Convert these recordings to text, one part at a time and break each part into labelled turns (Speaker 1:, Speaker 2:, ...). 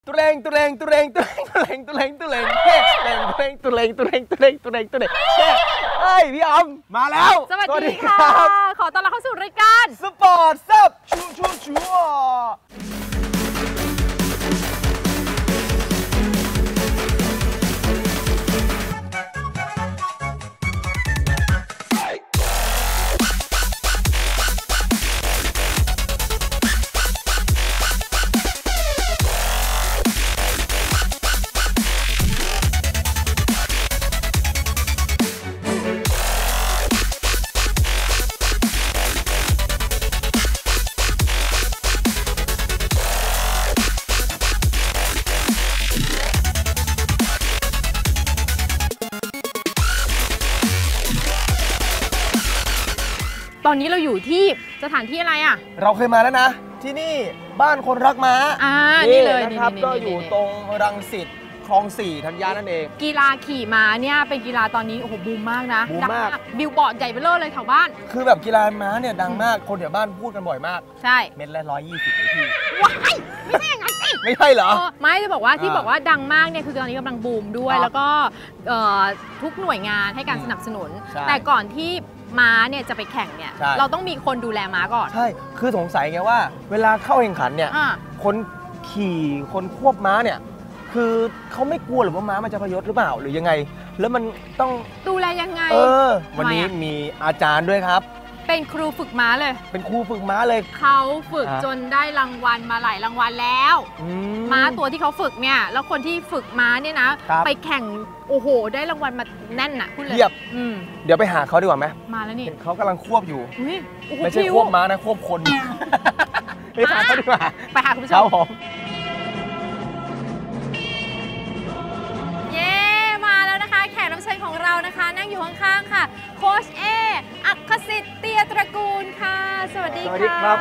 Speaker 1: ตุเรงตุเรงตุเรงตุเรงตุเรงตุเรงตุเรงเฮ้ตุเรงตุเรงตุเรงตุเรงตุเรงตุเรงเฮ้ยพี่อำมาแล้ว
Speaker 2: สวัสดีค่ะขอต้อนรับเข้าสู่รายการ
Speaker 1: สปอร์ตซับชัว
Speaker 2: ตอนนี้เราอยู่ที่สถานที่อะไรอ่ะ
Speaker 1: เราเคยมาแล้วนะที่นี่บ้านคนรักม้า
Speaker 2: นี่เลย
Speaker 1: นะครับก็อยู่ตรงรังสิตคลอง 4 ธัญญานั่นเอง
Speaker 2: กีฬาขี่ม้าเนี่ยเป็นกีฬาตอนนี้โอ้โหบูมมากนะ
Speaker 1: บูมมาก
Speaker 2: บิลบอร์ดใหญ่เบ้อเลยแถวบ้าน
Speaker 1: คือแบบกีฬาม้าเนี่ยดังมากคนแถวบ้านพูดกันบ่อยมาก
Speaker 2: ใช่
Speaker 1: เม็ดละ120เลยพี่
Speaker 2: ว้ายไม่ใช่อย่างนั้นสิ
Speaker 1: ไม่ใช่เหรอ
Speaker 2: ไม่จะบอกว่าที่บอกว่าดังมากเนี่ยคือตอนนี้กำลังบูมด้วยแล้วก็ทุกหน่วยงานให้การสนับสนุนแต่ก่อนที่ม้าเนี่ยจะไปแข่งเนี่ยเราต้องมีคนดูแลม้าก่อน
Speaker 1: ใช่คือสงสัยไงว่าเวลาเข้าแข่งขันเนี่ยคนขี่คนควบม้าเนี่ยคือเขาไม่กลัวหรือว่าม้ามันจะพยศหรือเปล่าหรือยังไงแล้วมันต้อง
Speaker 2: ดูแลยังไง
Speaker 1: วันนี้มีอาจารย์ด้วยครับ
Speaker 2: เป็นครูฝึกม้าเลย
Speaker 1: เป็นครูฝึกม้าเลย
Speaker 2: เขาฝึกจนได้รางวัลมาหลายรางวัลแล้วม้าตัวที่เขาฝึกเนี่ยแล้วคนที่ฝึกม้าเนี่ยนะไปแข่งโอ้โหได้รางวัลมาแน่นน่ะพูดเลย
Speaker 1: เดี๋ยวไปหาเขาดีกว่าไหม
Speaker 2: มาแล้วนี่
Speaker 1: เขากำลังควบอยู่ไม่ใช่ควบม้านะควบคนไปหาเขาดีกว่า
Speaker 2: ไปหาคุณผู้ชมมาแล้วนะคะแขกรับเชิญของเรานะคะนั่งอยู่ข้างๆค่ะโค้ชเออัครสิทธิ์เตียตระกูลค่ะสวัสดีค่ะ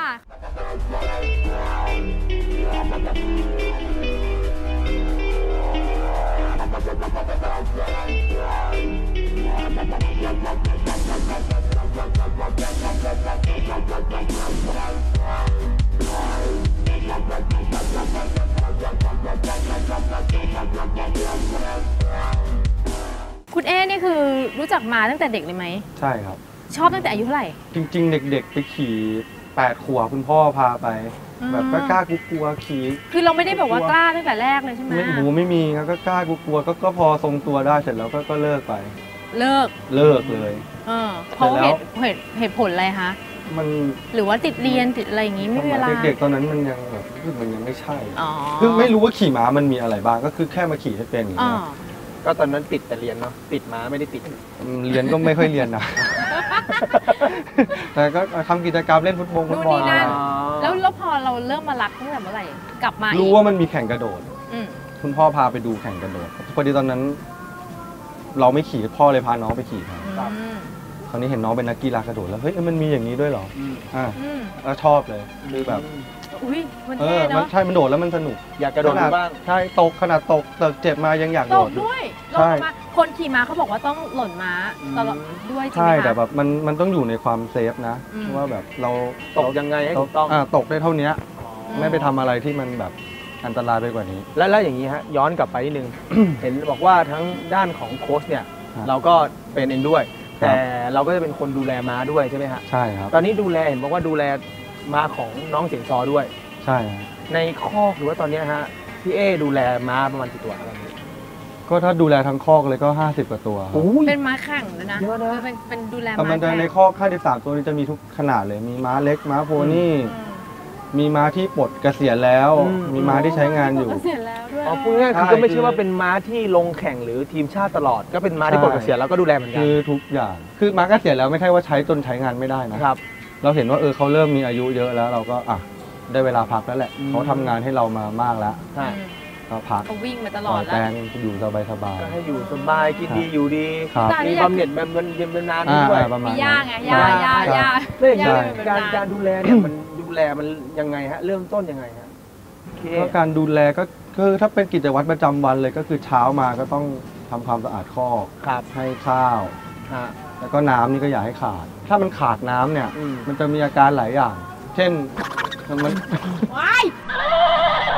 Speaker 2: คุณเอนี่คือรู้จักมาตั้งแต่เด็กเลยไหม
Speaker 3: ใช่ครับ
Speaker 2: ชอบตั้งแต่อายุเท่าไหร่
Speaker 3: จริงๆเด็กๆไปขี่8 ขวบคุณพ่อพาไปแบบก็กล้ากลัวขี่
Speaker 2: คือเราไม่ได้แบบว่ากล้าตั้งแต่แรกเลยใช่ไหม
Speaker 3: ไม่มีครับก็กล้ากลัวก็พอทรงตัวได้เสร็จแล้วก็เลิกไปเลิกเลย
Speaker 2: เพราะเหตุผลอะไรคะ
Speaker 3: มัน
Speaker 2: หรือว่าติดเรียนติดอะไรอย่างงี้ไม่มีเวลา
Speaker 3: เด็กๆตอนนั้นมันยังแบบมันยังไม่ใช่คือไม่รู้ว่าขี่ม้ามันมีอะไรบ้างก็คือแค่มาขี่ให้เป็นอย่างเงี้ย
Speaker 1: ก็ตอนนั้นติดแต่เรียนเนาะติดม้าไม่ได้ติด
Speaker 3: เรียนก็ไม่ค่อยเรียนนะแต่ก็ทำกิจกรรมเล่นฟุตบอล
Speaker 2: แล้วพอเราเริ่มมารักตั้งแต่เมื่อไหร่กลับมา
Speaker 3: รู้ว่ามันมีแข่งกระโดดคุณพ่อพาไปดูแข่งกระโดดพอดีตอนนั้นเราไม่ขี่พ่อเลยพาน้องไปขี่ครับคราวนี้เห็นน้องเป็นนักกีฬากระโดดแล้วเฮ้ยมันมีอย่างนี้ด้วยเหรอแล้วชอบเลยคือแบบ
Speaker 2: มันเท่เนาะ
Speaker 3: ใช่มันโดดแล้วมันสนุก
Speaker 1: อยากกระโดดบ้าง
Speaker 3: ใช่ตกขนาดตกเจ็บมายังอยากโดด
Speaker 2: ด้วยใช่คนขี่ม้าเขาบอกว่าต้องหล่นม้าตลอดด้วย
Speaker 3: ใช่แต่แบบมันต้องอยู่ในความเซฟนะว่าแบบเรา
Speaker 1: ตกยังไงให้ถูกต้อง
Speaker 3: ตกได้เท่านี้ไม่ไปทำอะไรที่มันแบบอันตรายไปกว่านี้
Speaker 1: แล้วอย่างนี้ฮะย้อนกลับไปนิดนึง เห็นบอกว่าทั้งด้านของโค้ชเนี่ยเราก็เป็นเองด้วยแต่เราก็จะเป็นคนดูแลม้าด้วยใช่ไหมฮะ
Speaker 3: ใช่ครับ
Speaker 1: ตอนนี้ดูแลเห็นบอกว่าดูแลม้าของน้องเสียงซอด้วย
Speaker 3: ใช่
Speaker 1: ในคอกหรือว่าตอนนี้ฮะพี่เอดูแลม้าประมาณกี่ตัวครับ
Speaker 3: ก็ถ้าดูแลทั้งคอกเลยก็50 กว่าตัว
Speaker 2: เป็นม้าแข่งนะเยอะนะเป็นดูแลม้า
Speaker 3: แต่มันในคอก53 ตัวนี้จะมีทุกขนาดเลยมีม้าเล็กม้าโพนี่มีม้าที่ปลดเกษียณแล้วมีม้าที่ใช้งานอยู่
Speaker 2: เกษียณแล้วด้วย
Speaker 1: พูดง่ายๆคือก็ไม่ใช่ว่าเป็นม้าที่ลงแข่งหรือทีมชาติตลอดก็เป็นม้าที่ปลดเกษียณแล้วก็ดูแลเหมือนกัน
Speaker 3: คือทุกอย่างคือม้าเกษียณแล้วไม่ใช่ว่าใช้จนใช้งานไม่ได้นะครับเราเห็นว่าเขาเริ่มมีอายุเยอะแล้วเราก็ได้เวลาพักแล้วแหละเขาทำงานให้เรามามากแล้วก็พัก
Speaker 2: เขาวิ่งมาตลอดแล้ว
Speaker 3: แตงอยู่สบาย
Speaker 1: ก็ให้อยู่สบายกินดีอยู่ดีมีบำเหน็จแบบเย็นนานด้วย
Speaker 2: มีย่าไงย่า
Speaker 1: เรื่องการดูแลเนี่ยมันดูแลมันยังไงฮะเริ่มต้นยังไงฮะ
Speaker 3: ก็การดูแลก็คือถ้าเป็นกิจวัตรประจำวันเลยก็คือเช้ามาก็ต้องทำความสะอาดคอกให้ข้าวแล้วก็น้ำนี่ก็อย่าให้ขาดถ้ามันขาดน้ำเนี่ยมันจะมีอาการหลายอย่างเช่นมัน
Speaker 2: ว้ายอะไร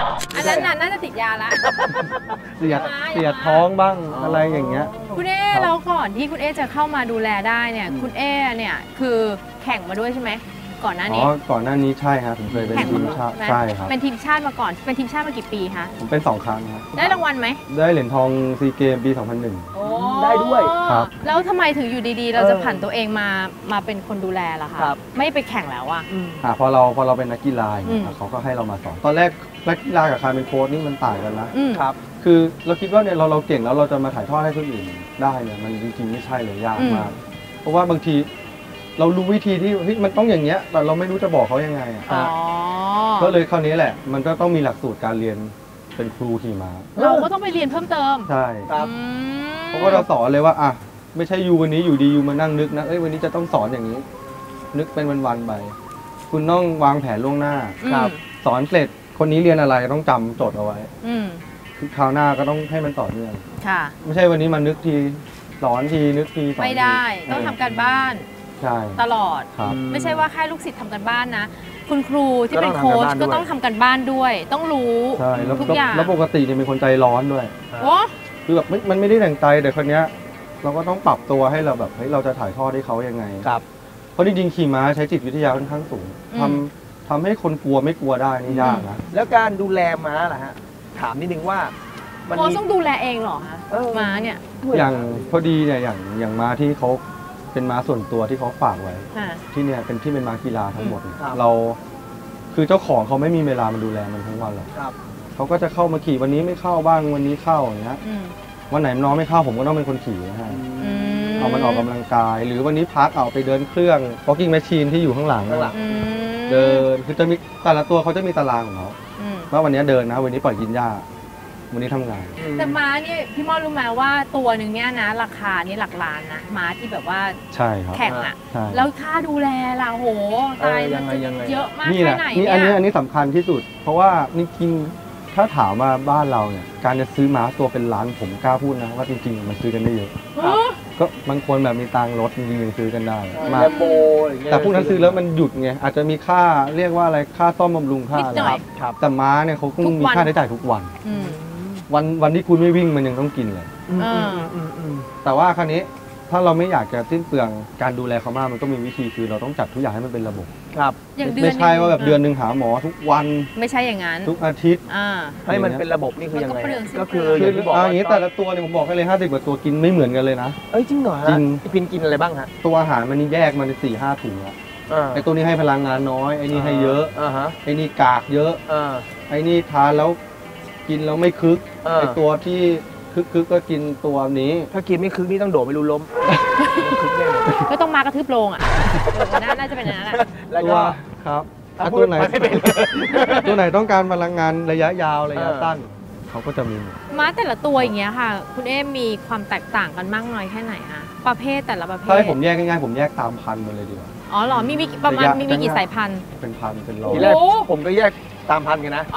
Speaker 2: นั้นน่าจะติดยาละ
Speaker 3: เสียดท้องบ้างอะไรอย่างเงี้ย
Speaker 2: คุณเอ๊แล้วก่อนที่คุณเอ๊จะเข้ามาดูแลได้เนี่ยคุณเอ๊เนี่ยคือแข่งมาด้วยใช่ไหมก่อนหน้านี้
Speaker 3: ก่อนหน้านี้ใช่ครับผมเคยเป็นทีมชาติใช่ครับ
Speaker 2: เป็นทีมชาติมาก่อนเป็นทีมชาติมากี่ปีคะ
Speaker 3: ผมเป็น2 ครั้งครับ
Speaker 2: ได้รางวัลไหม
Speaker 3: ได้เหรียญทองซีเกมปี 2001
Speaker 1: ได้ด้วย
Speaker 3: ครับ
Speaker 2: แล้วทำไมถึงอยู่ดีๆเราจะผันตัวเองมาเป็นคนดูแลล่ะคะไม่ไปแข่งแล้วอ่ะ
Speaker 3: พอเราเป็นนักกีฬาเขาก็ให้เรามาสอนตอนแรกนักกีฬากับการเป็นโค้ชนี่มันต่างกันนะครับคือเราคิดว่าเนี่ยเราเก่งแล้วเราจะมาถ่ายทอดให้คนอื่นได้เนี่ยมันจริงๆไม่ใช่เลยยากมากเพราะว่าบางทีเรารู้วิธีที่มันต้องอย่างเงี้ยแต่เราไม่รู้จะบอกเขายังไงก็เลยคราวนี้แหละมันก็ต้องมีหลักสูตรการเรียนเป็นครูขี่ม้า
Speaker 2: เราก็ต้องไปเรียนเพิ่มเติม
Speaker 3: ใช่ครับเพราะว่าเราสอนเลยว่าไม่ใช่ยูวันนี้อยู่ดียูมานั่งนึกนะวันนี้จะต้องสอนอย่างนี้นึกเป็นวันๆไปคุณต้องวางแผนล่วงหน้าครับสอนเสร็จคนนี้เรียนอะไรต้องจำจดเอาไว้คือคราวหน้าก็ต้องให้มันต่อเนื่องไม่ใช่วันนี้มานึกทีสอนทีนึกที
Speaker 2: ไม่ได้ต้องทำการบ้านตลอดไม่ใช่ว่าแค่ลูกศิษย์ทำกันบ้านนะคุณครูที่เป็นโค้ชก็ต้องทำกันบ้านด้วยต้องรู้ทุกอย่าง
Speaker 3: แล้วปกติเนี่ยเป็นคนใจร้อนด้วยคือแบบมันไม่ได้แต่งใจแต่คนเนี้ยเราก็ต้องปรับตัวให้เราแบบเราจะถ่ายทอดให้เขายังไงเพราะจริงๆขี่ม้าใช้จิตวิทยาค่อนข้างสูงทำให้คนกลัวไม่กลัวได้นี่ยากนะ
Speaker 1: แล้วการดูแลม้าล่ะฮะถามนิดนึงว่า
Speaker 2: โค้ชต้องดูแลเองเหรอคะม้าเนี่ย
Speaker 3: อย่างพอดีเนี่ยอย่างม้าที่เขาเป็นม้าส่วนตัวที่เขาฝากไว้ที่เนี่ยเป็นที่เป็นม้ากีฬาทั้งหมดเราคือเจ้าของเขาไม่มีเวลามาดูแลมันทั้งวันหรอกเขาก็จะเข้ามาขี่วันนี้ไม่เข้าบ้างวันนี้เข้าอย่างเงี้ยวันไหนน้องไม่เข้าผมก็ต้องเป็นคนขี่นะฮะเอามันออกกำลังกายหรือวันนี้พักเอาไปเดินเครื่อง walking machine ที่อยู่ข้างหลังเดินคือจะมีแต่ละตัวเขาจะมีตารางของเขาว่าวันนี้เดินนะวันนี้ปล่อยกินหญ้าวันนี้ทำงาน
Speaker 2: แต่ม้าเนี่ยพี่มอดรู้ไหมว่าตัวหนึ่งเนี่ยนะราคานี่หลักล้านนะม้าที่แบบว่า
Speaker 3: ใช่ครับ
Speaker 2: แข่งอ่ะแล้วค่าดูแลล่ะโหตายเยอะมากแค่ไหน
Speaker 3: เนี่ยอันนี้สำคัญที่สุดเพราะว่านี่จริงถ้าถามว่าบ้านเราเนี่ยการจะซื้อม้าตัวเป็นล้านผมกล้าพูดนะว่าจริงๆมันซื้อกันได้เยอะก็บางคนแบบมีตังรถจริงๆซื้อกันได้
Speaker 1: มา
Speaker 3: แต่พวกนั้นซื้อแล้วมันหยุดไงอาจจะมีค่าเรียกว่าอะไรค่าซ่อมบำรุงค่าอะไรครับแต่ม้าเนี่ยเขาต้องมีค่าใช้จ่ายทุกวันที่คุณไม่วิ่งมันยังต้องกินเลยแต่ว่าคราวนี้ถ้าเราไม่อยากจะสิ้นเปลืองการดูแลเขามากมันก็มีวิธีคือเราต้องจัดทุกอย่างให้มันเป็นระบบ
Speaker 1: ครับ
Speaker 3: ไม่ใช่ว่าแบบเดือนนึงหาหมอทุกวัน
Speaker 2: ไม่ใช่อย่างนั้น
Speaker 3: ทุกอาทิตย์
Speaker 1: ให้มันเป็นระบบนี่คือยังไงก็คือ
Speaker 3: อย่างนี้แต่ละตัวเนี่ยผมบอกให้เลย50 กว่าตัวกินไม่เหมือนกันเลยนะ
Speaker 1: จริงเหรอฮะพินกินอะไรบ้างฮะ
Speaker 3: ตัวอาหารมันนี่แยกมัน4-5 ถุงอะไอตัวนี้ให้พลังงานน้อยไอนี่ให้เยอะไอนี่กากเยอะไอนี่ทานแล้วกินแล้วไม่คึกไอตัวที่คึกก็กินตัวนี้
Speaker 1: ถ้ากินไม่คึกนี่ต้องโดดไม่รู้ล้ม
Speaker 2: ก็ต้องมากระทืบโลงอ่ะน่าจะเป็นอย่างนั้นแหละ
Speaker 3: ตัวครับตัวไหนต้องการพลังงานระยะยาวระยะสั้นเขาก็จะมี
Speaker 2: ม้าแต่ละตัวอย่างเงี้ยค่ะคุณเอ๊มีความแตกต่างกันมากน้อยแค่ไหนคะประเภทแต่ละประเภท
Speaker 3: ถ้าให้ผมแยกง่ายๆผมแยกตามพันธุ์มาเลยดีกว่า
Speaker 2: อ๋อเหรอมีประมาณมีกี่สายพันธุ์
Speaker 3: เป็นพันเป็นร้อย
Speaker 1: ทีแรกผมก็แยกตามพันธุ์กันนะ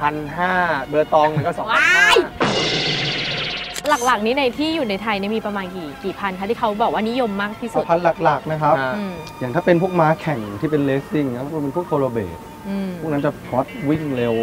Speaker 1: 1,500เบอร์ตองมันก็2,000
Speaker 2: หลักๆนี้ในที่อยู่ในไทยนี่มีประมาณกี่พันคะที่เขาบอกว่านิยมมากที่สุด
Speaker 3: พันหลักๆนะครับอย่างถ้าเป็นพวกม้าแข่งที่เป็นเลสซิ่งนะพวกเป็นพวกโคโลเบตพวกนั้นจะฮอตวิ่งเร็ว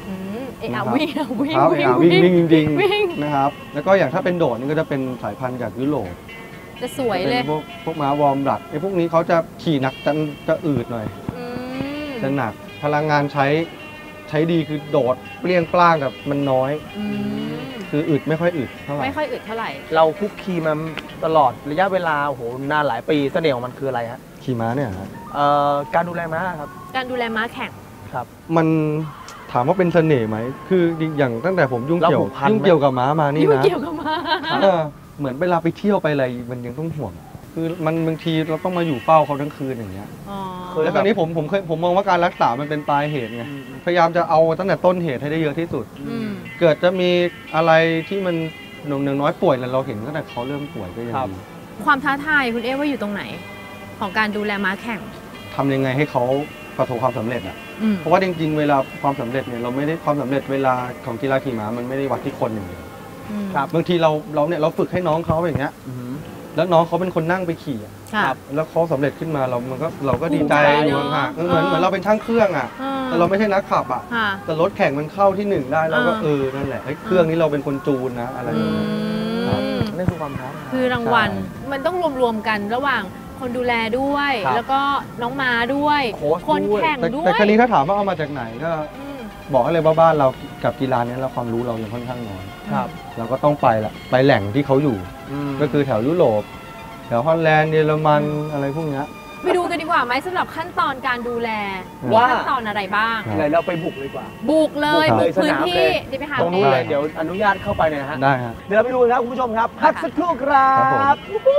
Speaker 3: วิ่งจริงๆนะครับแล้วก็อย่างถ้าเป็นโดดนี่ก็จะเป็นสายพันธุ์จากยุโรป
Speaker 2: จะสวยเลย
Speaker 3: พวกม้าวอร์มบลัดไอ้พวกนี้เขาจะขี่หนักจะอืดหน่อยจะหนักพลังงานใช้ดีคือโดดเปรี้ยงปร้างกับมันน้อยคืออึดไม่ค่อยอึดเท่าไหร่
Speaker 2: ไม่ค่อยอึดเท่าไหร่
Speaker 1: เราคุกคีมาตลอดระยะเวลาโอ้โหนานหลายปีเสน่ห์ของมันคืออะไรฮะ
Speaker 3: ขี่ม้าเนี่ยครับ
Speaker 1: การดูแลม้าครับ
Speaker 2: การดูแลม้าแข่ง
Speaker 1: ครับ
Speaker 3: มันถามว่าเป็นเสน่ห์ไหมคืออย่างตั้งแต่ผมยุ่งเกี่ยวกับม้ามานี่นะ
Speaker 2: ยุ่งเกี่ยวกับม้า
Speaker 3: เหมือนเวลาไปเที่ยวไปอะไรมันยังต้องห่วงคือมันบางทีเราต้องมาอยู่เฝ้าเขาทั้งคืนอย่างเงี้ยแล้วตอนนี้ผมมองว่าการรักษามันเป็นปลายเหตุไงพยายามจะเอาตั้งแต่ต้นเหตุให้ได้เยอะที่สุดเกิดจะมีอะไรที่มันหนึ่งน้อยป่วยแล้วเราเห็นตั้งแต่เขาเริ่มป่วยก็ยังดี
Speaker 2: ความท้าทายคุณเอ๊ว่าอยู่ตรงไหนของการดูแลม้าแข่ง
Speaker 3: ทำยังไงให้เขาประสบความสำเร็จอ่ะเพราะว่าจริงๆเวลาความสำเร็จเนี่ยเราไม่ได้ความสำเร็จเวลาของกีฬาขี่ม้ามันไม่ได้วัดที่คนอย่างเดียวบางทีเราฝึกให้น้องเขาอย่างเงี้ยแล้วน้องเขาเป็นคนนั่งไปขี่แล้วเขาสำเร็จขึ้นมาเราก็ดีใจอยู่ห่างเหมือนเราเป็นช่างเครื่องแต่เราไม่ใช่นักขับแต่รถแข่งมันเข้าที่1ได้เราก็นั่นแหละเครื่องนี้เราเป็นคนจูนนะอะไรอย่างเงี้ย
Speaker 1: นั่นคือความพร้อม
Speaker 2: คือรางวัลมันต้องรวมๆกันระหว่างคนดูแลด้วยแล้วก็น้องม้าด้วยคนแข่งด้วย
Speaker 3: แต่ครั้นี้ถ้าถามว่าเอามาจากไหนก็บอกเลยว่าบ้านเรากับกีฬานี้เราความรู้เรายังค่อนข้างน้อยเราก็ต้องไปแหล่งที่เขาอยู่ก็คือแถวยุโรปแถวฮอลแลนด์เยอรมันอะไรพวกนี้
Speaker 2: ไปดูกันดีกว่าไหมสำหรับขั้นตอนการดูแลว่าขั้นตอนอะไรบ้าง
Speaker 1: อะไรเราไปบุกเลยกว่า
Speaker 2: บุกเลยบุกพื้นที่เดี๋ยวไปหา
Speaker 1: ตรงนู้นเลยเดี๋ยวอนุญาตเข้าไปเลยนะฮะ
Speaker 3: ได้ครับ
Speaker 1: เดี๋ยวเราไปดูครับคุณผู้ชมครับพักสักครู่ครับ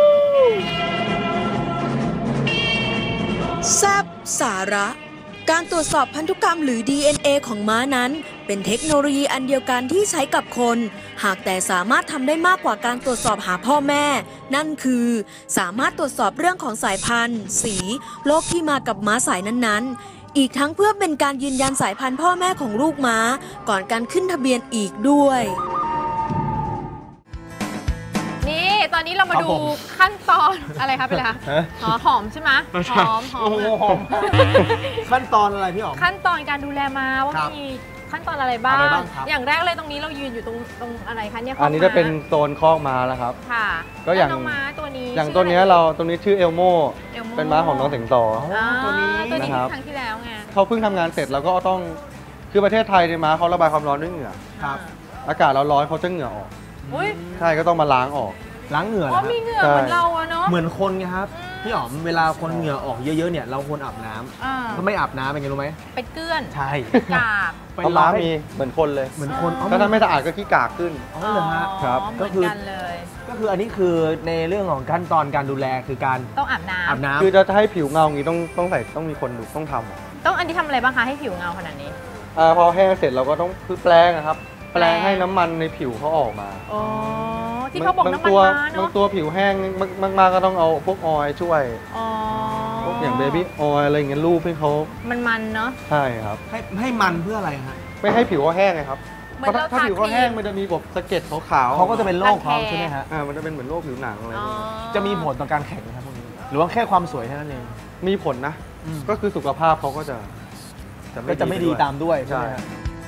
Speaker 4: แซ่บสาระการตรวจสอบพันธุกรรมหรือ DNA ของม้านั้นเป็นเทคโนโลยีอันเดียวกันที่ใช้กับคนหากแต่สามารถทำได้มากกว่าการตรวจสอบหาพ่อแม่นั่นคือสามารถตรวจสอบเรื่องของสายพันธุ์สีโรคที่มากับม้าสายนั้นๆอีกทั้งเพื่อเป็นการยืนยันสายพันธุ์พ่อแม่ของลูกม้าก่อนการขึ้นทะเบียนอีกด้วย
Speaker 2: ตอนนี้เรามาดูขั้นตอนอะไรคะเป็นอะไรคะหอมใช่ไหมหอม
Speaker 1: ขั้นตอนอะไรพี่หอม
Speaker 2: ขั้นตอนการดูแลม้าว่ามีขั้นตอนอะไรบ้างอย่างแรกเลยตรงนี้เรายืนอยู่ตรงอะไรคะเนี่ย
Speaker 3: อันนี้จะเป็นโซนคอกม้าแล้วครับ
Speaker 2: ค่ะ
Speaker 3: ก็อย่าง
Speaker 2: น้องม้าตัวนี้
Speaker 3: อย่างตัวนี้ตัวนี้ชื่อเอลโมเป็นม้าของน้องสิงโต
Speaker 2: ตัวนี้นะครับครั้งที่แล้วไง
Speaker 3: เขาเพิ่งทำงานเสร็จแล้วก็ต้องคือประเทศไทยในม้าเขาระบายความร้อนด้วยเหงื่ออากาศเราร้อนเขาจะเหงื่อออกใช่ก็ต้องมาล้างออก
Speaker 1: ล้างเหงื่อ
Speaker 2: มีเหงื่อเหมือนเราเนาะ
Speaker 1: เหมือนคนไงครับพี่อ๋อมเวลาคนเหงื่อออกเยอะๆเนี่ยเราควรอาบน้ำก็ไม่อาบน้ำเป็นไงรู้ไหม
Speaker 2: เป็นเกลื้อน
Speaker 1: ใช่
Speaker 2: กาก
Speaker 3: ไปล้างมีเหมือนคนเลย
Speaker 1: เหมือนคน
Speaker 3: ถ้าไม่สะอาดก็ขี้กากขึ้น
Speaker 1: อ๋อเหรอฮะ
Speaker 3: ครับ
Speaker 2: ก็
Speaker 1: คืออันนี้คือในเรื่องของขั้นตอนการดูแลคือการ
Speaker 2: ต้องอาบน้
Speaker 3: ำคือจะให้ผิวเงาอย่างนี้ต้องมีคนดูต้องทำ
Speaker 2: ต้องอันนี้ทำอะไรบ้างคะให้ผิวเงาขนาดนี้
Speaker 3: พอแห้งเสร็จเราก็ต้องแปลงนะครับแปลงให้น้ำมันในผิวเขาออกมา
Speaker 2: ที่เขาบอกน้ำมันม้าเนาะ
Speaker 3: บางตัวผิวแห้งมากๆก็ต้องเอาพวกออยล์ช่วยพวกอย่างเบบี้ออยล์อะไรอย่างเงี้ยรูปให้เขา
Speaker 2: มันเนาะ
Speaker 3: ใช่ครับ
Speaker 1: ให้มันเพื่ออะไรฮะ
Speaker 3: ไม่ให้ผิวเขาแห้งไงครับเพราะถ้าผิวเขาแห้งมันจะมีแบบสะเก็ดขาว
Speaker 1: ๆเขาก็จะเป็นโรคเขาใช่ไหมฮะ
Speaker 3: มันจะเป็นเหมือนโรคผิวหนังอะไร
Speaker 1: จะมีผลต่อการแข่งนะครับพวกนี้หรือว่าแค่ความสวยแค่นั้นเอง
Speaker 3: มีผลนะก็คือสุขภาพเขาก็จะ
Speaker 1: ไม่ดีตามด้วยใช่ไหม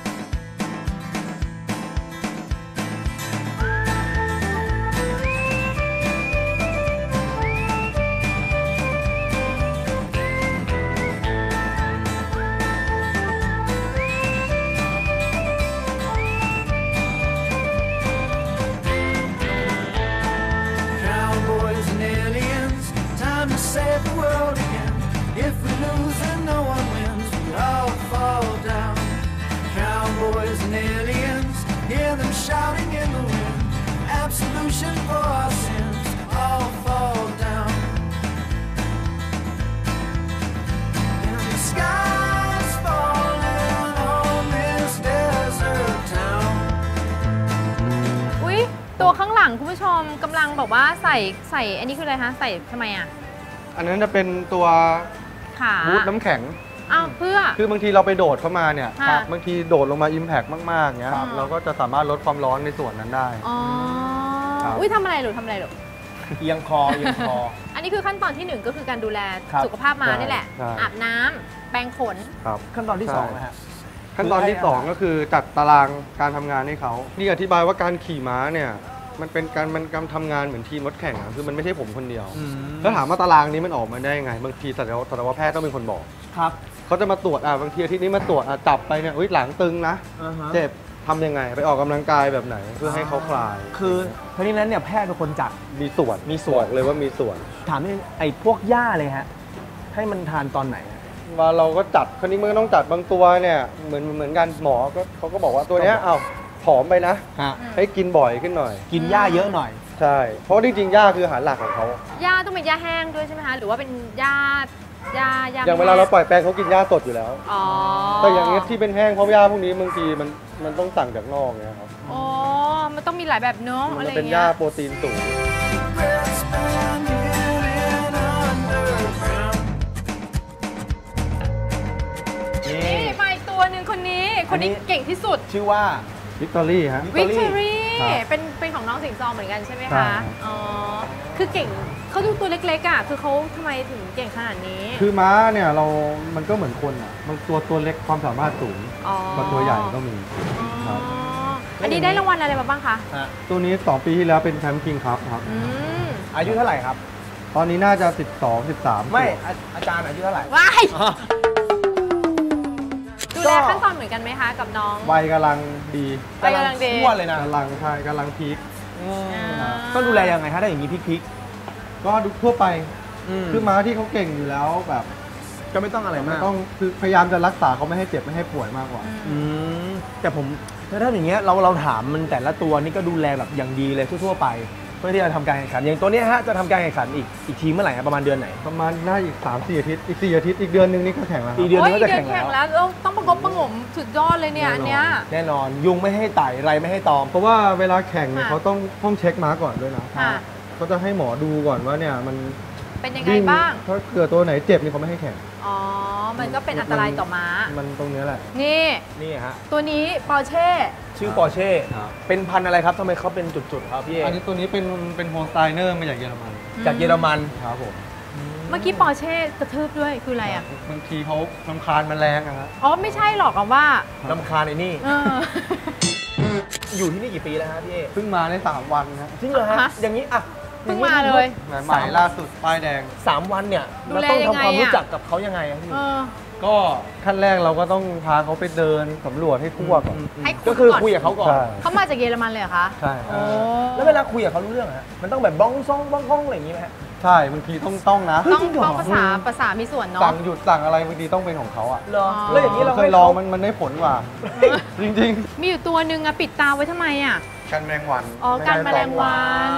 Speaker 4: Save the world again. If we lose and no one wins, we all fall down. Cowboys and aliens, hear them shouting in the wind. Absolution for our sins, all fall down. And the sky's falling on this desert town.
Speaker 2: อุ๊ยตัวข้างหลังคุณผู้ชมกำลังบอกว่าใส่อันนี้คืออะไรคะใส่ทำไมอ่ะ
Speaker 3: อันนั้นจะเป็นตัวบูทน้ำแข็ง
Speaker 2: เพื่อ
Speaker 3: คือบางทีเราไปโดดเข้ามาเนี่ยบางทีโดดลงมา Impact มากๆเงี้ยเราก็จะสามารถลดความร้อนในส่วนนั้นได้
Speaker 2: อุ้ยทำอะไรหรือ
Speaker 1: เอียงคอ
Speaker 2: อันนี้คือขั้นตอนที่1ก็คือการดูแลสุขภาพม้านี่แหละอาบน้ำแปรงขน
Speaker 1: ขั้นตอนที่2นะฮะ
Speaker 3: ขั้นตอนที่2ก็คือจัดตารางการทำงานให้เขานี่อธิบายว่าการขี่ม้าเนี่ยมันเป็นการทำงานเหมือนทีมรถแข่งคือมันไม่ใช่ผมคนเดียวแล้วถามว่าตารางนี้มันออกมาได้ยังไงบางทีสัตวแพทย์ต้องเป็นคนบอก
Speaker 1: ครับ
Speaker 3: เขาจะมาตรวจบางทีอาทิตย์นี้มาตรวจจับไปเนี่ยหลังตึงนะเจ็บทำยังไงไปออกกำลังกายแบบไหนเพื่อให้เขาคลาย
Speaker 1: คือทั้งนี้นั้นเนี่ยแพทย์เป็นคนจัด
Speaker 3: มีส่วนเลยว่ามีส่วน
Speaker 1: ถามไอ้พวกหญ้าเลยฮะให้มันทานตอนไหน
Speaker 3: ว่าเราก็จัดคราวนี้มันต้องจัดบางตัวเนี่ยเหมือนกันหมอเขาก็บอกว่าตัวเนี้ยผอมไปนะให้กินบ่อยขึ้นหน่อย
Speaker 1: กินหญ้าเยอะหน่อย
Speaker 3: ใช่เพราะจริงๆหญ้าคืออาหารหลักของเขา
Speaker 2: หญ้าต้องเป็นหญ้าแห้งด้วยใช่ไหมคะหรือว่าเป็นหญ้า
Speaker 3: อย่างเวลาเราปล่อยแปลงเขากินหญ้าสดอยู่แล้วแต่อย่างนี้ที่เป็นแห้งเพราะหญ้าพวกนี้บางทีมันต้องสั่งจากนอกเนี่ยครับ
Speaker 2: มันต้องมีหลายแบบเนาะอะไร
Speaker 3: เงี้ยมันเป็นหญ้าโปรตีนสูง
Speaker 2: นี่มาอีกตัวหนึ่งคนนี้เก่งที่สุด
Speaker 1: ชื่อว่า
Speaker 3: วิกตอรี่ฮะ
Speaker 2: วิกตอรี่เป็นของน้องสิงซอเหมือนกันใช่ไหม
Speaker 3: ใช่
Speaker 2: คะ อ๋อ คือเก่งเขาดูตัวเล็กๆอ่ะ คือเขาทำไมถึงเก่งขนาดนี้
Speaker 3: คือม้าเนี่ยมันก็เหมือนคนอ่ะมันตัวเล็กความสามารถสูง
Speaker 2: อ๋อ
Speaker 3: กว่าตัวใหญ่ก็มีครับ
Speaker 2: อันนี้ได้รางวัลอะไรมาบ้างคะ
Speaker 3: ตัวนี้2 ปีที่แล้วเป็นแชมป์คิงครับครับ
Speaker 1: อายุเท่าไหร่ครับ
Speaker 3: ตอนนี้น่าจะ12 13
Speaker 1: ไม่อาจารย์อายุเท่าไหร่
Speaker 2: ว้ายดูแลขั้นตอนเหมือนกันไหมคะกับน้อง
Speaker 3: วัยกำลังดี
Speaker 2: วัยกำลังดี
Speaker 1: ทั่วเลยนะ
Speaker 3: กำลังใช่กำลังพีค
Speaker 1: ต้องดูแลยังไงฮะถ้าอย่างนี้พลิก
Speaker 3: ก็ดูทั่วไป
Speaker 1: ๆ
Speaker 3: คือม้าที่เขาเก่งอยู่แล้วแบบ
Speaker 1: ก็ไม่ต้องอะไรมาก
Speaker 3: ต้องคือพยายามจะรักษาเขาไม่ให้เจ็บไม่ให้ป่วยมากกว่า
Speaker 1: แต่ผมถ้าอย่างเงี้ยเราถามมันแต่ละตัวนี่ก็ดูแลแบบอย่างดีเลยทั่วๆไป เพื่อที่จะทำการแข่งขันอย่างตัวเนี้ยฮะจะทำการแข่งขันอีกทีเมื่อไหร่ครับประมาณเดือนไหน
Speaker 3: ประมาณน่าอีก 3-4 อาทิตย์อีก 4 อาทิตย์อีกเดือนนึงนี่ก็แข่งแล้วค
Speaker 1: อี
Speaker 3: รับ
Speaker 1: กเดือนนึง
Speaker 2: โอ้
Speaker 1: ก็
Speaker 2: ย
Speaker 1: จะ
Speaker 2: เดือ
Speaker 1: แข่
Speaker 2: น
Speaker 1: ง
Speaker 2: แข่
Speaker 1: แล้ว
Speaker 2: งแล้วต้องประกบประหงมสุดยอดเลยเนี่ยอันเนี้ย
Speaker 1: แน่นอนยุงไม่ให้ไต่ไรไม่ให้ตอม
Speaker 3: เพราะว่าเวลาแข่งเนี่ย
Speaker 2: ค่ะ
Speaker 3: เขาต้องเช็คม้าก่อนด้วยนะ
Speaker 2: ค่ะ
Speaker 3: เขาจะให้หมอดูก่อนว่าเนี่ยมัน
Speaker 2: เป็นยังไงบ้าง
Speaker 3: ถ้าเกิดตัวไหนเจ็บนี่เขาไม่ให้แข่ง
Speaker 2: อ๋อ มันก็เป็นอันตรายต่อม้า
Speaker 3: มันตรงเนี้ยแหละ
Speaker 2: นี่
Speaker 1: นี่ฮะ
Speaker 2: ตัวนี้ปอร์เช่
Speaker 1: ชื่อปอร์เช่
Speaker 3: ครับ
Speaker 1: เป็นพันธุ์อะไรครับทำไมเขาเป็นจุดๆครับพี่เอ
Speaker 3: อันนี้ตัวนี้เป็นโฮลสไตเนอร์มาจากเยอรมัน
Speaker 1: จากเยอรมัน
Speaker 3: ครับผม
Speaker 2: เมื่อกี้ปอร์เช่กระทืบด้วยคืออะไรอ่ะ
Speaker 3: บางทีเขารำคาญมันแรงอะฮะ
Speaker 2: อ๋อ ไม่ใช่หรอกอะว่า
Speaker 1: ลำคาญไอ้นี่
Speaker 2: เออ
Speaker 1: อยู่ที่นี่กี่ปีแล้วฮะพี่เอ
Speaker 3: เพิ่งมาได้3 วันนะ
Speaker 1: จริงเหรอฮะ
Speaker 2: ฮะ
Speaker 1: อย่างนี้อ่ะ
Speaker 2: เพิ่งมาเลย
Speaker 3: ใหม่ล่าสุดป้ายแดง
Speaker 1: 3 วันเนี่ย
Speaker 2: ดู
Speaker 1: เรา
Speaker 2: แล
Speaker 1: ต้อง
Speaker 2: ยัง
Speaker 1: ทำ
Speaker 2: ไง
Speaker 1: ความรู้
Speaker 2: อะ
Speaker 1: จักกับเขายังไงอะพี่
Speaker 2: เออ
Speaker 3: ก็ขั้นแรกเราก็ต้องพาเขาไปเดินสำรวจให้ทั่วก่อน
Speaker 2: ให้คุย
Speaker 1: ก็คือ
Speaker 2: ก่อน
Speaker 1: คุยกับเขาก่อน
Speaker 3: ใช่
Speaker 2: เขามาจากเยอรมันเลยเหรอคะ
Speaker 3: ใช่
Speaker 2: โอ้
Speaker 1: แล้วเวลาคุยกับเขารู้เรื่องอะฮะมันต้องแบบบ้องซ่องบ้องก้องอะไรอย่างงี้ไหมฮะ
Speaker 3: ใช่บางทีต้องนะ
Speaker 2: ต้อง
Speaker 1: จริงเหรอ
Speaker 2: ต้องภาษามีส่วนเนาะ
Speaker 3: สั่งหยุดสั่งอะไรบางทีต้องเป็นของเขาอ่ะ
Speaker 1: เหรอแล้วอย่างนี้เรา
Speaker 3: เคยลองมันได้ผลกว่า จริง
Speaker 2: มีอยู่ตัวหนึ่งอะปิดตาไว้ทำไมอะ
Speaker 3: ๆกันแมงวัน
Speaker 2: อ๋อการแมลงวัน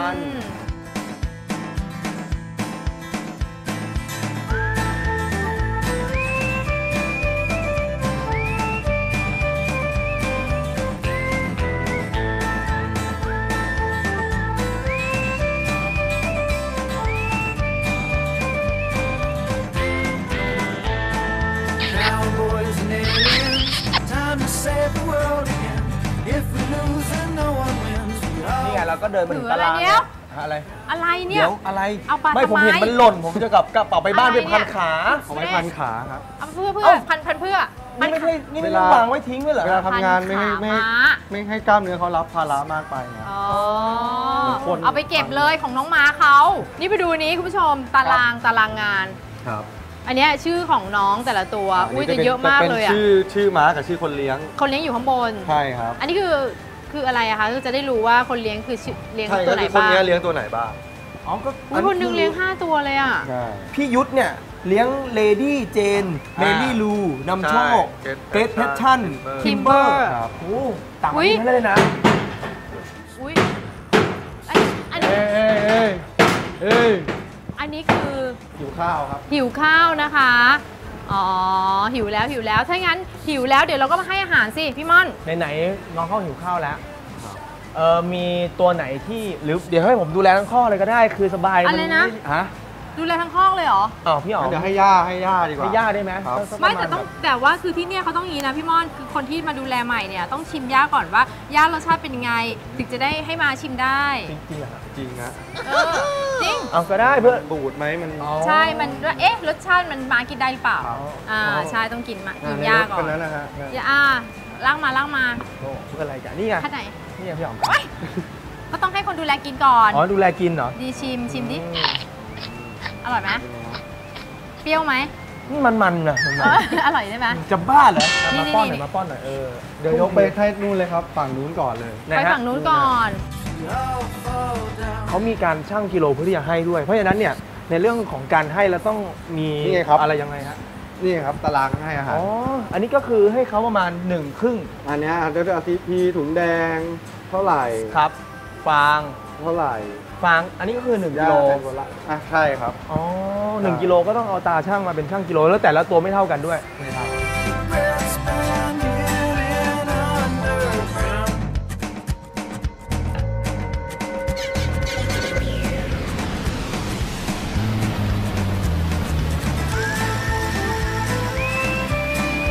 Speaker 5: Cowboys and aliens, time to save the world again. If we lose, then no one wins. We
Speaker 1: นี่ไง
Speaker 5: all
Speaker 1: เราก็เดินมาถึงตาราง
Speaker 2: ถืออะไรเนี่ย
Speaker 1: อะไร
Speaker 2: อะไรเนี่
Speaker 1: เดี๋
Speaker 2: ย
Speaker 1: ยวอะไร
Speaker 2: เอาไป
Speaker 1: ไม่ผม
Speaker 2: ทำไม
Speaker 1: เห็นมันหล่น ผมจะกระเป๋าไปบ้าน
Speaker 2: อะไร
Speaker 1: ไปพัน
Speaker 2: เนี่ย
Speaker 1: ขา
Speaker 3: เอาไว้พันขาครับ
Speaker 2: เอาเพื่อ
Speaker 1: เอ้า
Speaker 2: พันเพื่อ
Speaker 1: นี่ไม่ใช่นี่ไม่
Speaker 3: เว
Speaker 1: ได้
Speaker 3: ลา
Speaker 1: วางไว้ทิ้งไว้เหรอ
Speaker 3: เวลาทำงาน
Speaker 2: พันขา
Speaker 3: ไม่
Speaker 2: ม้า
Speaker 3: ไม่ให้กล้ามเนื้อเขารับภาระมากไปนะ
Speaker 2: อ๋อ
Speaker 3: เหมือนคน
Speaker 2: เอาไปเก็บเลยของน้องม้าเขา นี่ไปดูนี้คุณผู้ชมตารางงาน
Speaker 3: ครับ
Speaker 2: อันเนี้ยชื่อของน้องแต่ละตัว อุ้ยแต่เยอะมากเลยอะ
Speaker 3: เป็นชื่อม้ากับชื่อคนเลี้ยง
Speaker 2: คนเลี้ยงอยู่ข้างบน
Speaker 3: ใช่ครับ
Speaker 2: อันนี้คืออะไรอะคะคือจะได้รู้ว่าคนเลี้ยงคือชื่อเลี้ยง
Speaker 3: ใช่
Speaker 2: ตั
Speaker 3: ก็
Speaker 2: วไหน
Speaker 3: คือคน
Speaker 2: บ้าง
Speaker 3: เนี้ยเลี้ยงตัวไหนบ้าง
Speaker 1: อ๋อก็
Speaker 2: อุ้ยคนหนึงเลี้ยง 5 ตัวเลยอะ
Speaker 3: ใช่
Speaker 1: พี่ยุทธเนี่ยเลี้ยงเลดี้เจนเมลี่ลูนำโชค
Speaker 3: ใช่
Speaker 1: เกรทเพชชั่น
Speaker 3: Timber
Speaker 1: ทิมเบอร์
Speaker 3: ครับ
Speaker 1: โอ้ต่างประเทศทั้งนั้นเลยนะ
Speaker 2: อุ้ยอันนี้
Speaker 3: เอ้ย
Speaker 2: อันนี้คือ
Speaker 3: หิวข้าวครับ
Speaker 2: หิวข้าวนะคะ อ๋อ หิวแล้ว ถ้างั้นหิวแล้วเดี๋ยวเราก็มาให้อาหารสิพี่ม่อน
Speaker 1: ไหนๆน้องเขาหิวข้าวแล้วมีตัวไหนที่หรือเดี๋ยวให้ผมดูแลทั้งข้อเลยก็ได้คือสบาย
Speaker 2: อะไรนะ
Speaker 1: ฮะ
Speaker 2: ดูแลทั้งห้องเลยเหรอ
Speaker 1: อ้าวพี่อ๋อ
Speaker 3: เดี๋ยวให้ย่าดีกว่า
Speaker 1: ให้ย่าได้ไหม
Speaker 3: ครับ
Speaker 1: สัก
Speaker 2: ไม่
Speaker 1: ประาณ
Speaker 2: แต่ว่าคือที่เนี่ยเขาต้องอย่างนี้นะพี่ม่อนคือคนที่มาดูแลใหม่เนี่ยต้องชิมย่าก่อนว่าย่ารสชาติเป็นยังไง ถึงจะได้ให้มาชิมได้
Speaker 1: จริงๆเหรอครับ
Speaker 3: จริงนะ
Speaker 2: เออจริง
Speaker 1: เอาก็ได้เพื่อน
Speaker 3: บูดไหมมัน
Speaker 2: ใช่มันว่าเอ๊ะรสชาติมันมากินได้หรือเปล่า
Speaker 3: อ๋อ
Speaker 2: ใช่ต้องกินกิน
Speaker 3: ใน
Speaker 2: ย่าร
Speaker 3: ถ
Speaker 2: ก่อ
Speaker 3: คั
Speaker 2: น
Speaker 3: นนั้นนะฮะ
Speaker 2: ย่าล่างมา
Speaker 1: โอ้เพื่ออะไรกันนี่ไง
Speaker 2: ขั้นไหน
Speaker 1: นี่ไงพี่อ๋อม
Speaker 2: ก็ต้องให้คนดูแลกินก่อน
Speaker 1: อ๋อดูแลกินเหรอ
Speaker 2: ดีชิมดิอร่อยไหมเปรี้ยวไหม
Speaker 1: นี่มันๆนะมัน
Speaker 2: อร่อยใช่ไหม
Speaker 1: ๆจะบ้าเหรอ
Speaker 2: นี่
Speaker 1: มาป้อนห
Speaker 2: นี่
Speaker 1: น่อยมาป้อนหน่อย
Speaker 3: เดี๋ยวยกไปให้นู่นเลยครับ ฝั่งนู้นก่อนเลย
Speaker 1: นะ
Speaker 2: ไป
Speaker 1: ฮะ
Speaker 2: ฝั่งนู้นก่อน
Speaker 5: we all fall down.
Speaker 1: เขามีการชั่งกิโลเพื่อที่จะให้ด้วย เพราะฉะนั้นเนี่ยในเรื่องของการให้เราต้องมี
Speaker 3: นี่ไงครับ
Speaker 1: อะไรยังไงฮะ
Speaker 3: นี่ครับตารางให้อาหาร
Speaker 1: อ๋ออันนี้ก็คือให้เขาประมาณ1 ครึ่ง
Speaker 3: อันเนี้ยเดี๋ยวอาทิตย์ถุงแดงเท่าไหร่
Speaker 1: ครับ ฟาง
Speaker 3: เท่าไหร่
Speaker 1: ฟางอันนี้ก็คือ1 กิโล
Speaker 3: ย่าเป็นคนละอ่ะใช่ครับ
Speaker 1: อ๋อ1 กิโลก็ต้องเอาตาช่างมาเป็นช่างกิโลแล้วแต่ละตัวไม่เท่ากันด้วยนะครับ
Speaker 5: Regrets been hidden underground.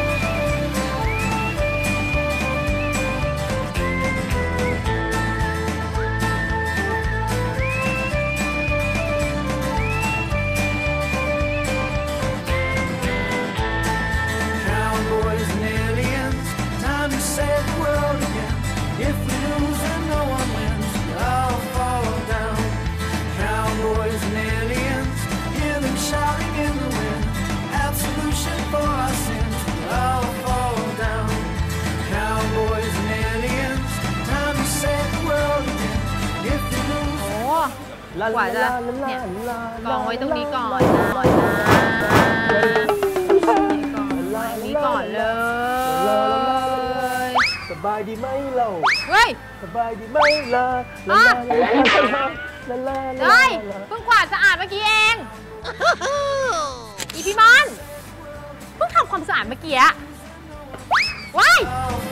Speaker 1: น
Speaker 5: save the world again. If we lose and no one wins, I'll fall down. Cowboys and aliens, hear them shouting in the wind. Absolution for our sins, I'll fall down. Cowboys and aliens, time to save the world again. If we lose.
Speaker 2: โอ้กว่าจะเนี่ยกองไว้ตรงนี้ก่อนนะกองไว้นี้ก่อนเลย
Speaker 1: สบายดีไหมเรา
Speaker 2: เฮ้ย
Speaker 1: สบายดีไหมล่ะ
Speaker 2: เฮ้ยเพิ่งกวาดสะอาดเมื่อกี้เอง อีพี่มอนเพิ่งทำความสะอาดเมื่อกี้ว้าย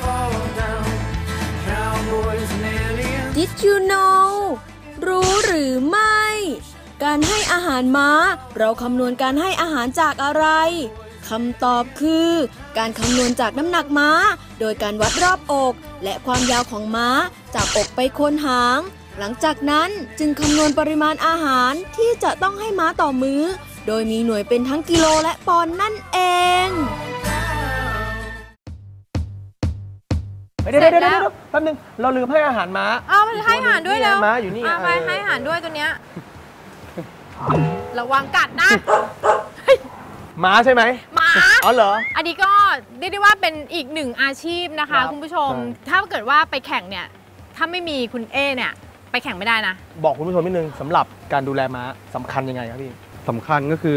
Speaker 4: Did you know รู้หรือไม่ การให้อาหารม้าเราคำนวณการให้อาหารจากอะไรคำตอบคือการคำนวณจากน้ำหนักม้าโดยการวัดรอบอก และความยาวของม้าจากอกไปโคนหาง หลังจากนั้นจึงคำนวณปริมาณอาหารที่จะต้องให้ม้าต่อมื้อ โดยมีหน่วยเป็นทั้งกิโลและปอนด์นั่นเอง
Speaker 1: เดี๋ยวแป๊บนึงเราลืมให้อาหารม้า
Speaker 2: เอามันให้อาหารด้วยแล้ว
Speaker 1: ม้าอยู่นี่
Speaker 2: ไปให้อาหารด้วยตัวเนี้ยระวังกัดนะ
Speaker 1: ม้าใช่ไหม
Speaker 2: หมา
Speaker 1: อ๋อเหรอ
Speaker 2: อันนี้ก็เรียกได้ว่าเป็นอีกหนึ่งอาชีพนะ
Speaker 1: ครั
Speaker 2: คะ
Speaker 1: บ
Speaker 2: คุณผู้ชม ถ้าเกิดว่าไปแข่งเนี่ยถ้าไม่มีคุณเอเนี่ยไปแข่งไม่ได้นะ
Speaker 1: บอกคุณผู้ชมนิดนึงสำหรับการดูแลม้าสำคัญยังไงครับพี่
Speaker 3: สำคัญก็คือ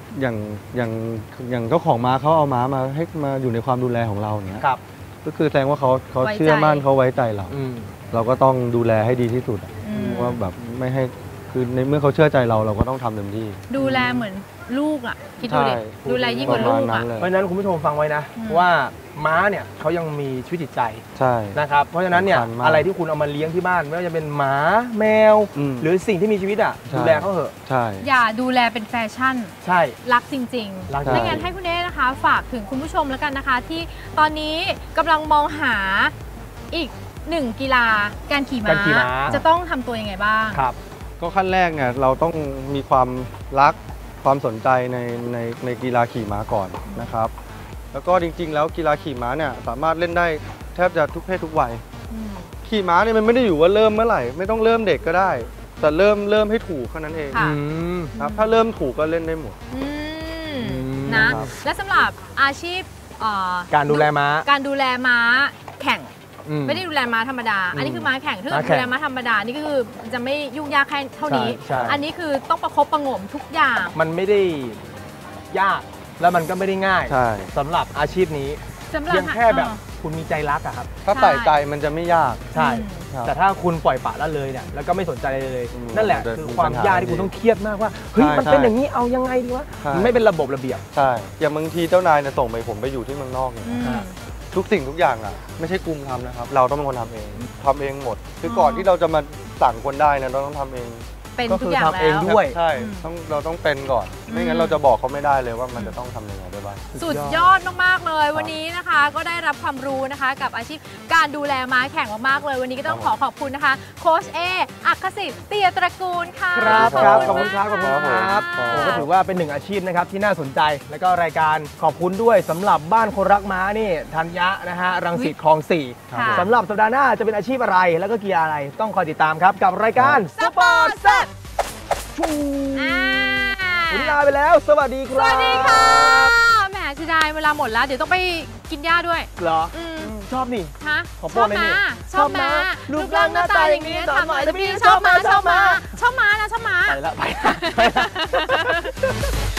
Speaker 3: อย่างเจ้าของม้าเขาเอาม้ามาให้มาอยู่ในความดูแลของเราอย่างเงี้ย
Speaker 1: ครับ
Speaker 3: ก็คือแสดงว่าเขา
Speaker 2: ไว้ใจ
Speaker 3: เชื่อมั่นเขาไว้ใจเรา
Speaker 1: อืม
Speaker 3: เราก็ต้องดูแลให้ดีที่สุดอะ
Speaker 2: อืม
Speaker 3: ว่าแบบไม่ให้คือในเมื่อเขาเชื่อใจเราเราก็ต้องทำเต็มที่
Speaker 2: ดูแลเหมือนลูกอ่ะคิดดูดิ
Speaker 3: ใช่
Speaker 2: ดูแลยิ่งกว่าลูก
Speaker 3: ประมา
Speaker 2: อ่ะ
Speaker 3: ณนั้นเลย
Speaker 1: เพราะฉะนั้นคุณผู้ชมฟังไว้นะ
Speaker 2: อืม
Speaker 1: ว่าม้าเนี่ยเขายังมีชีวิตจิตใจ
Speaker 3: ใช่
Speaker 1: นะครับเพราะฉะนั้นเนี่ย
Speaker 3: สำคัญมาก
Speaker 1: อะไรที่คุณเอามาเลี้ยงที่บ้านไม่ว่าจะเป็นหมาแมว
Speaker 3: อืม
Speaker 1: หรือสิ่งที่มีชีวิตอ่ะ
Speaker 3: ใช่
Speaker 1: ดูแลเขาเถอะ
Speaker 3: ใช่
Speaker 2: อย่าดูแลเป็นแฟชั่น
Speaker 1: ใช่
Speaker 2: รักจริง
Speaker 1: รัก
Speaker 2: ๆไม่งั้นให้คุณเอนะคะฝากถึงคุณผู้ชมแล้วกันนะคะ ที่ตอนนี้กำลังมองหาอีกหนึ่งกีฬาการขี่
Speaker 1: การขี่ม้า
Speaker 2: จะต้องทำตัวยังไงบ้าง
Speaker 1: ครับ
Speaker 3: ก็ขั้นแรกเนี่ยเราต้องมีความรักความสนใจในกีฬาขี่ม้าก่อนนะครับ แล้วก็จริงๆแล้วกีฬาขี่ม้าเนี่ยสามารถเล่นได้แทบจะทุกเพศทุกวัย
Speaker 2: อืม
Speaker 3: ขี่ม้าเนี่ยมันไม่ได้อยู่ว่าเริ่มเมื่อไหร่ไม่ต้องเริ่มเด็กก็ได้ แต่เริ่มให้ถูกแค่นั้นเอง
Speaker 2: ค่ะ
Speaker 3: ครับถ้าเริ่มถูกก็เล่นได้หมด
Speaker 2: อืม
Speaker 1: อืม
Speaker 2: นะ
Speaker 3: ครับ
Speaker 2: และสำหรับอาชีพ
Speaker 1: การดูแลม้า
Speaker 2: การดูแลม้าแข่ง
Speaker 1: อืม
Speaker 2: ไม่ได้ดูแลม้าธรรมดา อันนี้คือม้าแข่งถ้าเกิด
Speaker 1: ม้าแข่
Speaker 2: ดู
Speaker 1: ง
Speaker 2: แลม้าธรรมดานี่ก็คือจะไม่ยุ่งยากแค่เท่านี้
Speaker 1: ใช่
Speaker 2: อันนี้คือต้องประคบประหงมทุกอย่าง
Speaker 1: มันไม่ได้ยากแล้วมันก็ไม่ได้ง่าย
Speaker 3: ใช่
Speaker 1: สำหรับอาชีพนี้
Speaker 2: สำหรับ
Speaker 1: เพียงแค่แบบคุณมีใจรักอะครับ
Speaker 3: ถ้าใส่ใจมันจะไม่ยาก
Speaker 1: ใช่
Speaker 3: ครับ
Speaker 1: แต่ถ้าคุณปล่อยปละละเลยเนี่ยแล้วก็ไม่สนใจอะไรเลย
Speaker 3: อืม
Speaker 1: นั่นแหละ
Speaker 3: มันจะ
Speaker 1: คือ
Speaker 3: มี
Speaker 1: ความ
Speaker 3: ปัญหาย
Speaker 1: ากที่คุณต้องเครียดมากว่าเฮ้ย
Speaker 3: ใช่
Speaker 1: มันเป็น
Speaker 3: ใช่
Speaker 1: อย่างนี้เอายังไงดีวะ
Speaker 3: ใช่
Speaker 1: มันไม่เป็นระบบระเบียบ
Speaker 3: ใช่อย่างบางทีเจ้านายเนี่ยส่งไปผมไปอยู่ที่เมืองนอกเนี่ย
Speaker 2: อืม
Speaker 3: ทุกสิ่งทุกอย่างอ่ะไม่ใช่กลุ่มทำนะครับ เราต้องเป็นคนทำเองหมด คือก่อนที่เราจะมาสั่งคนได้เนี่ยเราต้องทำเอง
Speaker 2: เป็น
Speaker 1: ก็
Speaker 2: ทุ
Speaker 1: คื
Speaker 2: ก
Speaker 1: อ
Speaker 2: อย่าง
Speaker 1: ทำเอง
Speaker 2: แล้ว
Speaker 1: ด้วย
Speaker 3: ใช่
Speaker 2: อืม
Speaker 3: เราต้องเป็นก่อน ไม่งั้นเราจะบอกเขาไม่ได้เลยว่ามันจะต้องทำยังไงได้บ้าง
Speaker 2: สุดยอดมากๆเลยวันนี้นะคะ ก็ได้รับความรู้นะคะ กับอาชีพการดูแลม้าแข่งมากๆเลย วันนี้ก็ต้องขอขอบคุณนะคะโค้ชเออัครสิทธิ์เตียตระกูลค่ะ
Speaker 1: ครับครับขอบคุณ
Speaker 2: มาก
Speaker 1: ครับขอบคุณครับ
Speaker 3: ครับ
Speaker 1: ผมก็ถือว่าเป็นหนึ่งอาชีพนะครับที่น่าสนใจแล้วก็รายการขอบคุณด้วยสำหรับบ้านคนรักม้านี่ธัญญะนะฮะรังสิตคลอง 4
Speaker 2: ค่ะ
Speaker 1: สำหรับสัปดาห์หน้าจะเป็นอาชีพอะไร แล้วก็กีฬาอะไรต้องคอยติดตามครับกับรายการสปอร์ตแซ่บชู
Speaker 2: อ่า
Speaker 1: วันนี้ลาไปแล้ว สวัสดีค
Speaker 2: ส
Speaker 1: รับ
Speaker 2: วัสดีค่ะ แหมเสียดายเวลาหมดแล้ว เดี๋ยวต้องไปกินหญ้าด้วย
Speaker 1: เหรอ
Speaker 2: อืม
Speaker 1: ชอบนี่
Speaker 2: ฮะ
Speaker 1: ขอโปรดหน่อยนี่
Speaker 2: ชอบม้า
Speaker 1: รูปร่างหน้าตาอย่างนี้
Speaker 2: ถามหน่อย
Speaker 1: ถามหน่อย
Speaker 2: แต่พี่ชอบม้าชอบม้าชอบม้านะชอบม้า
Speaker 1: ไปละไปละ